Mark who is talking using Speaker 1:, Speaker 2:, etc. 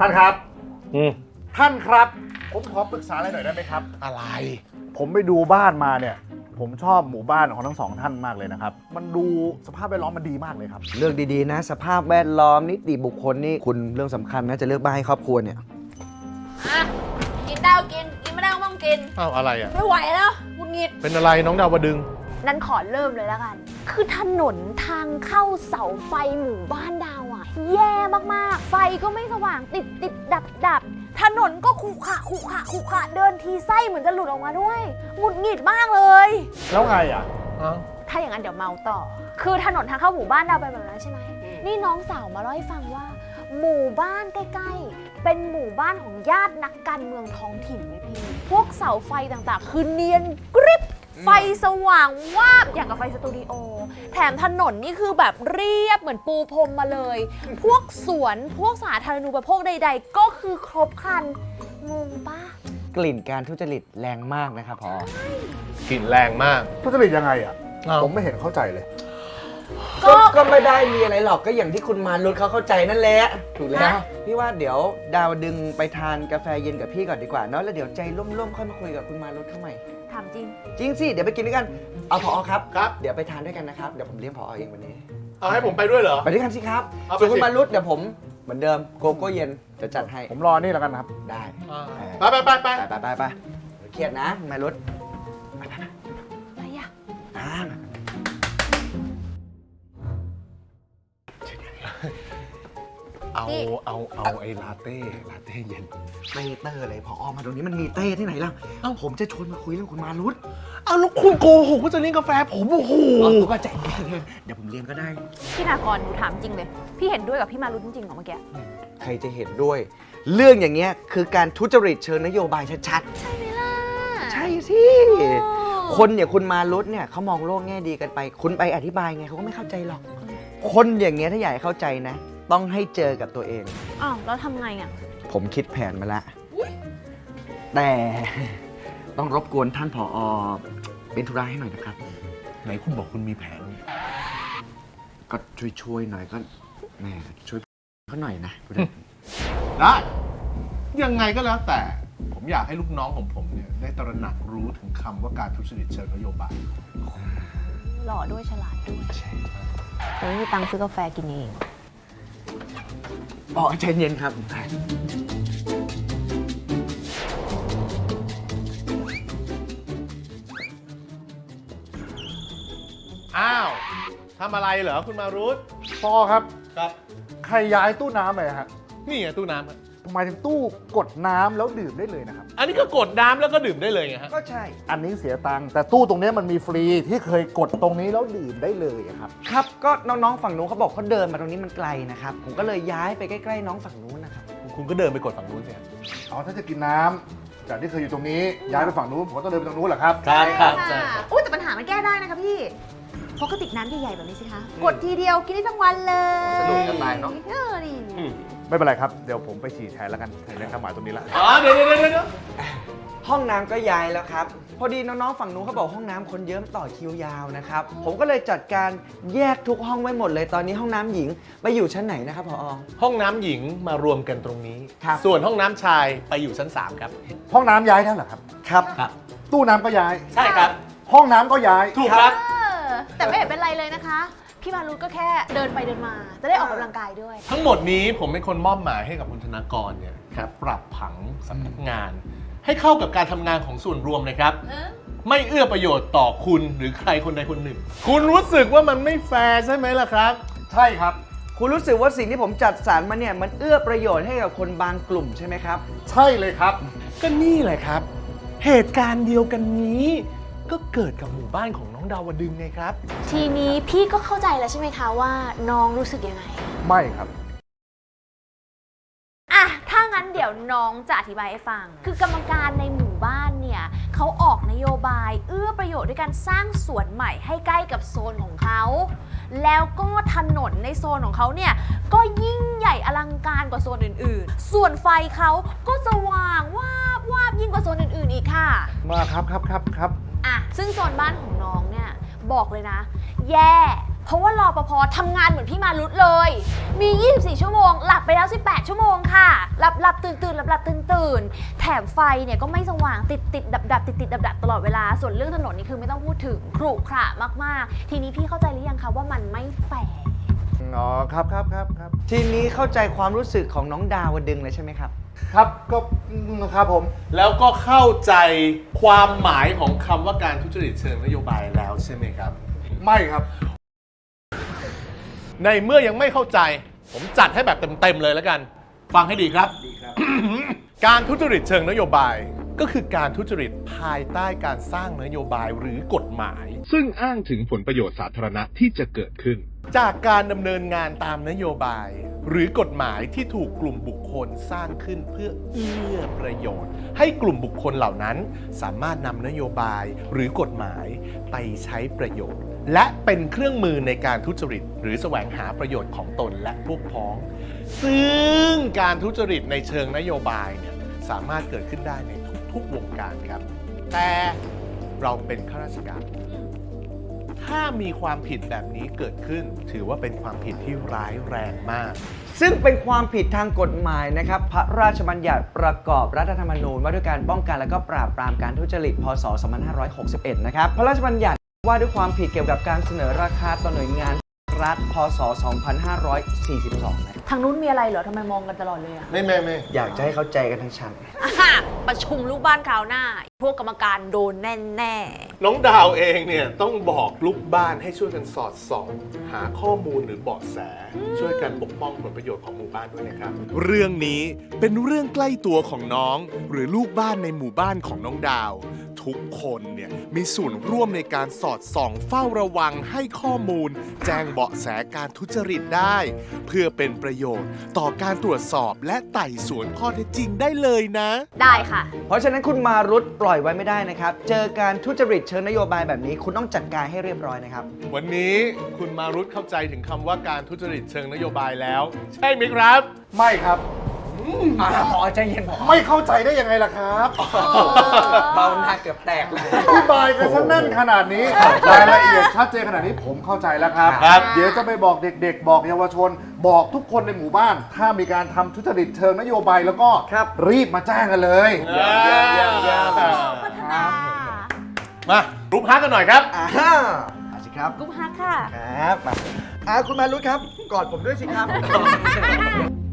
Speaker 1: ท่านครับ
Speaker 2: ท่านครับผมขอปรึกษาอะไรหน่อยได้ไหมครับ
Speaker 1: อะไร
Speaker 2: ผมไปดูบ้านมาเนี่ยผมชอบหมู่บ้านของทั้งสองท่านมากเลยนะครับมันดูสภาพแวดล้อมมันดีมากเลยครับ
Speaker 3: เลือกดีๆนะสภาพแวดล้อมนิติบุคคลนี่คุณเรื่องสำคัญนะจะเลือกบ้านให้ครอบครัวเนี่ย
Speaker 4: อ่ะกินได้ก็กินไม่ได้ก็ไม่ต้องกิน
Speaker 1: อ้าวอะไรอ่ะ
Speaker 4: ไม่ไหวแล้วหงุดหงิด
Speaker 1: เป็นอะไรน้องดาวดึง
Speaker 4: นั้นขอเริ่มเลยแล้วกัน คือถนนทางเข้าเสาไฟหมู่บ้านดาวอะแย่มากๆ ไฟก็ไม่สว่างติดดับถนนก็ขรุขระเดินทีไส้เหมือนจะหลุดออกมาด้วยหงุดหงิดมากเลย
Speaker 2: แล้วไงอ่ะ
Speaker 4: ถ้าอย่างนั้นเดี๋ยวเมาต่อ คือถนนทางเข้าหมู่บ้านดาวเป็นแบบนั้นใช่ไหม นี่น้องสาวมาเล่าให้ฟังว่า หมู่บ้านใกล้ๆ เป็นหมู่บ้านของญาตินักการเมืองท้องถิ่นเลยพี่ พวกเสาไฟต่างๆ คือเนียนกริบ ไฟสว่างวาบอย่างกับไฟสตูดิโอ แถมถนนนี่คือแบบเรียบเหมือนปูพรมมาเลย พวกสวนพวกสาธารณูปโภคใดๆ ก็คือครบครัน งงปะ
Speaker 3: กลิ่นการทุจริตแรงมากนะครับพอก
Speaker 1: ลิ่นแรงมาก
Speaker 2: ทุจริตยังไงอ่ะ
Speaker 1: อ้าว
Speaker 2: ผมไม่เห็นเข้าใจเลย
Speaker 3: ก็ไม่ได้มีอะไรหรอกก็อย่างที่คุณมารุตเขาเข้าใจนั่นแหละถูกแล้วพี่ว่าเดี๋ยวดาวดึงไปทานกาแฟเย็นกับพี่ก่อนดีกว่าเนาะแล้วเดี๋ยวใจร่มๆค่อยมาคุยกับคุณมารุตเข้าใหม่
Speaker 4: ถามจริง
Speaker 3: จริงสิเดี๋ยวไปกินด้วยกันเอาผอครับ
Speaker 1: ครับ
Speaker 3: เดี๋ยวไปทานด้วยกันนะครับเดี๋ยวผมเลี้ยงผอเองวันนี้
Speaker 1: เอาให้ผมไปด้วยเหรอ
Speaker 3: ไปด้วยกันสิครับ
Speaker 1: เอาไป
Speaker 3: ส่วนคุ
Speaker 1: สิ
Speaker 3: ณมารุตเดี๋ยวผมเหมือนเดิมโกโก้เย็นจะจัดให้
Speaker 2: ผมรอนี่แล้วกันครับ
Speaker 3: ได้
Speaker 1: ไปไปไปไป
Speaker 3: ไปเครียดนะคุณมารุต
Speaker 4: อะไรอะ
Speaker 3: อ่า
Speaker 1: เอาไอ้ลาเต้เย็น
Speaker 3: ไม่เตอร์เลยพอมาตรงนี้มันมีเต้ที่ไหนล่ะ
Speaker 1: เอ้า
Speaker 3: ผมจะชวนมาคุยเรื่องคุณมารุต
Speaker 1: เอาแล้วคุณโกหกว่าจะเลี้ยงกาแฟผมโอ้โห
Speaker 3: ก็ใจเย็นเดี๋ยวผมเลี้ยงก็ได้
Speaker 4: พี่นากรหนูถามจริงเลย พี่เห็นด้วยกับพี่มารุ้จริงๆเหรอเมื่อกี้
Speaker 3: ใครจะเห็นด้วย เรื่องอย่างเงี้ยคือการทุจริตเชิงนโยบายชัด
Speaker 4: ใช่ไหมล่ะ
Speaker 3: ๆ ใช่สิ คนอย่างคุณมารุตเนี่ยเขามองโลกแง่ดีกันไป คุณไปอธิบายไงเขาก็ไม่เข้าใจหรอก คนอย่างเงี้ยถ้าอยากให้เข้าใจนะ ต้องให้เจอกับตัวเอง
Speaker 4: อ้าวแล้วทำไงอ่ะ
Speaker 3: ผมคิดแผนมาละแต่ต้องรบกวนท่านผอเป็นธุระให้หน่อยนะครับ
Speaker 1: ไหนคุณบอกคุณมีแผน
Speaker 3: ก็ช่วยๆหน่อยก็แหม่ช่วยเขาหน่อยนะ
Speaker 1: ได้ ยังไงก็แล้วแต่ ผมอยากให้ลูกน้องของผมเนี่ยได้ตระหนักรู้ถึงคำว่าการทุจริตเชิงนโยบาย
Speaker 4: หล่อด้วยฉลาดด้วยแต่ไม่มีตังค์ซื้อกาแฟกินเอง
Speaker 3: อ๋อใจเย็นครับ
Speaker 1: อ้าวทำอะไรเหรอคุณมารุต
Speaker 2: พอครับ
Speaker 1: ครับ
Speaker 2: ใครย้ายตู้น้ำไปฮะ
Speaker 1: นี่ไงตู้น้ำอะ
Speaker 2: หมายถึงตู้กดน้ำแล้วดื่มได้เลยนะครับ
Speaker 1: อันนี้ก็กดน้ำแล้วก็ดื่มได้เลยไงฮะ
Speaker 3: ก็ใช่
Speaker 2: อันนี้เสียตังค์แต่ตู้ตรงเนี้ยมันมีฟรีที่เคยกดตรงนี้แล้วดื่มได้เลยอะครับ
Speaker 3: ครับก็น้องๆฝั่งนู้นเขาบอกเขาเดินมาตรงนี้มันไกลนะครับ ผมก็เลยย้ายไปใกล้ๆน้องฝั่งนู้นนะครับ
Speaker 1: คุณก็เดินไปกดฝั่งนู้นสิครับ
Speaker 2: อ๋อถ้าจะกินน้ำจากที่เคยอยู่ตรงนี้ย้ายไปฝั่งนู้นผมก็ต้องเดินไปตรงนู้นเหรอครับ
Speaker 1: ครับ
Speaker 4: อุ้ยแต่ปัญหามันแก้ได้นะคะพี่เพราะกระติกน้ำใหญ่ๆแบบนี้สิคะ กดทีเดียวกินได้ทั้งวันเลย
Speaker 3: สะดวกสบายเนอะ
Speaker 4: ดี
Speaker 2: ไม่เป็นไรครับเดี๋ยวผมไปฉี่แทนแล้วกันถึงได้ทำหมายตรงนี้ละ
Speaker 1: อ๋อเดี๋ยว
Speaker 3: ห้องน้ำก็ย้ายแล้วครับ พอดีน้องๆฝั่งนู้นเขาบอกห้องน้ำคนเยอะต่อคิวยาวนะครับ ผมก็เลยจัดการแยกทุกห้องไว้หมดเลย ตอนนี้ห้องน้ำหญิงไปอยู่ชั้นไหนนะครับผอ
Speaker 1: ห้องน้ำหญิงมารวมกันตรงนี้
Speaker 3: ครับ
Speaker 1: ส่วนห้องน้ำชายไปอยู่ชั้น 3 ครับ
Speaker 2: ห้องน้ำย้ายแล้วเหรอครับ
Speaker 3: ครับ
Speaker 2: ตู้น้ำก็ย้าย
Speaker 1: ใช่ครับ
Speaker 2: ห้องน้ำก็ย้าย
Speaker 1: ถูกครับ
Speaker 4: แต่ไม่เห็นเป็นไรเลยนะคะ พี่มารุ้ก็แค่เดินไปเดินมา จะได้ออกกำลังกายด้วย
Speaker 1: ทั้งหมดนี้ผมเป็นคนมอบหมายให้กับคุณธนากรเนี่ยครับปรับผังสำนักงาน ให้เข้ากับการทำงานของส่วนรวมนะครับ ไม่เอื้อประโยชน์ต่อคุณหรือใครคนใดคนหนึ่ง คุณรู้สึกว่ามันไม่แฟร์ใช่ไหมล่ะครับ
Speaker 2: ใช่ครับ
Speaker 3: คุณรู้สึกว่าสิ่งที่ผมจัดสรรมาเนี่ยมันเอื้อประโยชน์ให้กับคนบางกลุ่มใช่ไหมครับ
Speaker 2: ใช่เลยครับ
Speaker 1: ก็นี่แหละครับ เหตุการณ์เดียวกันนี้ ก็เกิดกับหมู่บ้านของน้องดาวดึงไงครับ
Speaker 4: ทีนี้พี่ก็เข้าใจแล้วใช่ไหมคะว่าน้องรู้สึกยังไง
Speaker 2: ไม่ครับ
Speaker 4: อ่ะ ถ้างั้นเดี๋ยวน้องจะอธิบายให้ฟัง คือกรรมการในหมู่บ้านเนี่ยเขาออกนโยบายเอื้อประโยชน์ด้วยการสร้างสวนใหม่ให้ใกล้กับโซนของเขา แล้วก็ถนนในโซนของเขาเนี่ยก็ยิ่งใหญ่อลังการกว่าโซนอื่นๆ ส่วนไฟเขาก็สว่างวาบวาบยิ่งกว่าโซนอื่นๆอีกค่ะ
Speaker 2: มาครับ
Speaker 4: อ่ะ ซึ่งโซนบ้านของน้องเนี่ยบอกเลยนะ แย่พราะว่ารปภทำงานเหมือนพี่มารุตเลย มี 24 ชั่วโมง หลับไปแล้ว 18 ชั่วโมงค่ะ หลับตื่นแถมไฟเนี่ยก็ไม่สว่างติดดับตลอดเวลา ส่วนเรื่องถนนนี่คือไม่ต้องพูดถึงขรุขระมากๆ ทีนี้พี่เข้าใจหรือยังคะว่ามันไม่แฟร์
Speaker 2: อ๋อครับ
Speaker 3: ทีนี้เข้าใจความรู้สึกของน้องดาวดึงเลยใช่ไหมครับ
Speaker 2: ครับก็ครับผม
Speaker 1: แล้วก็เข้าใจความหมายของคำว่าการทุจริตเชิงนโยบายแล้วใช่ไหมครับ
Speaker 2: ไม่ครับ
Speaker 1: ในเมื่อยังไม่เข้าใจ ผมจัดให้แบบเต็มๆเลยแล้วกัน ฟังให้ดีครับ การทุจริตเชิงนโยบาย ก็คือการทุจริตภายใต้การสร้างนโยบายหรือกฎหมาย ซึ่งอ้างถึงผลประโยชน์สาธารณะที่จะเกิดขึ้น จากการดำเนินงานตามนโยบาย หรือกฎหมายที่ถูกกลุ่มบุคคลสร้างขึ้นเพื่อเอื้อประโยชน์ ให้กลุ่มบุคคลเหล่านั้น สามารถนำนโยบายหรือกฎหมายไปใช้ประโยชน์ และเป็นเครื่องมือในการทุจริต หรือแสวงหาประโยชน์ของตนและพวกพ้อง ซึ่งการทุจริตในเชิงนโยบายเนี่ยสามารถเกิดขึ้นได้ในทุกวงการครับ แต่เราเป็นข้าราชการ ถ้ามีความผิดแบบนี้เกิดขึ้น ถือว่าเป็นความผิดที่ร้ายแรงมาก
Speaker 3: ซึ่งเป็นความผิดทางกฎหมายนะครับ พระราชบัญญัติประกอบรัฐธรรมนูญว่าด้วยการป้องกันและก็ปราบปรามการทุจริต พ.ศ. 2561 นะครับ พระราชบัญญัติว่าด้วยความผิดเกี่ยวกับการเสนอราคาต่อหน่วยงานรัฐ พ.ศ. 2542 นะครับ
Speaker 4: ทางนู้นมีอะไรเหรอทำไมมองกันตลอดเลยอะ
Speaker 1: ไม่
Speaker 3: อยากจะให้เข้าใจกันทั้งชั้น
Speaker 4: ประชุมลูกบ้านคราวหน้า พวกกรรมการโดนแน่
Speaker 1: น้องดาวเองเนี่ยต้องบอกลูกบ้านให้ช่วยกันสอดส่อง หาข้อมูลหรือเบาะแส ช่วยกันปกป้องผลประโยชน์ของหมู่บ้านด้วยนะครับ เรื่องนี้เป็นเรื่องใกล้ตัวของน้อง หรือลูกบ้านในหมู่บ้านของน้องดาว ทุกคนเนี่ยมีส่วนร่วมในการสอดส่องเฝ้าระวังให้ข้อมูล แจ้งเบาะแสการทุจริตได้ เพื่อเป็นประโยชน์ต่อการตรวจสอบและไต่สวนข้อเท็จจริงได้เลยนะ
Speaker 4: ๆ ได้ค่ะ
Speaker 3: เพราะฉะนั้นคุณมารุตปล่อยไว้ไม่ได้นะครับ เจอการทุจริตเชิงนโยบายแบบนี้ คุณต้องจัดการให้เรียบร้อยนะครับ
Speaker 1: วันนี้คุณมารุตเข้าใจถึงคำว่าการทุจริตเชิงนโยบายแล้ว ใช่ไหมครับ
Speaker 2: ไม่ครับ
Speaker 3: พอใจเย็นพอ
Speaker 2: ไม่เข้าใจได้ยังไงล่ะครับ
Speaker 3: เบาหน้าเกือบแตกเลย
Speaker 2: อธิบายกันซะแน่นขนาดนี้รายละเอียดชัดเจนขนาดนี้ผมเข้าใจแล้วครับ
Speaker 1: ครับ
Speaker 2: เดี๋ยวจะไปบอกเด็กๆ บอกเยาวชน บอกทุกคนในหมู่บ้าน ถ้ามีการทำทุจริตเชิงนโยบายแล้วก็
Speaker 3: ครับ
Speaker 2: รีบมาแจ้งกันเลย
Speaker 4: พัฒนา
Speaker 1: มารูปฮักกันหน่อยครับ
Speaker 3: มาสิครับ
Speaker 4: กุ๊บฮักค่ะ
Speaker 3: ครับมาคุณมารุตครับ กอดผมด้วยสิครับ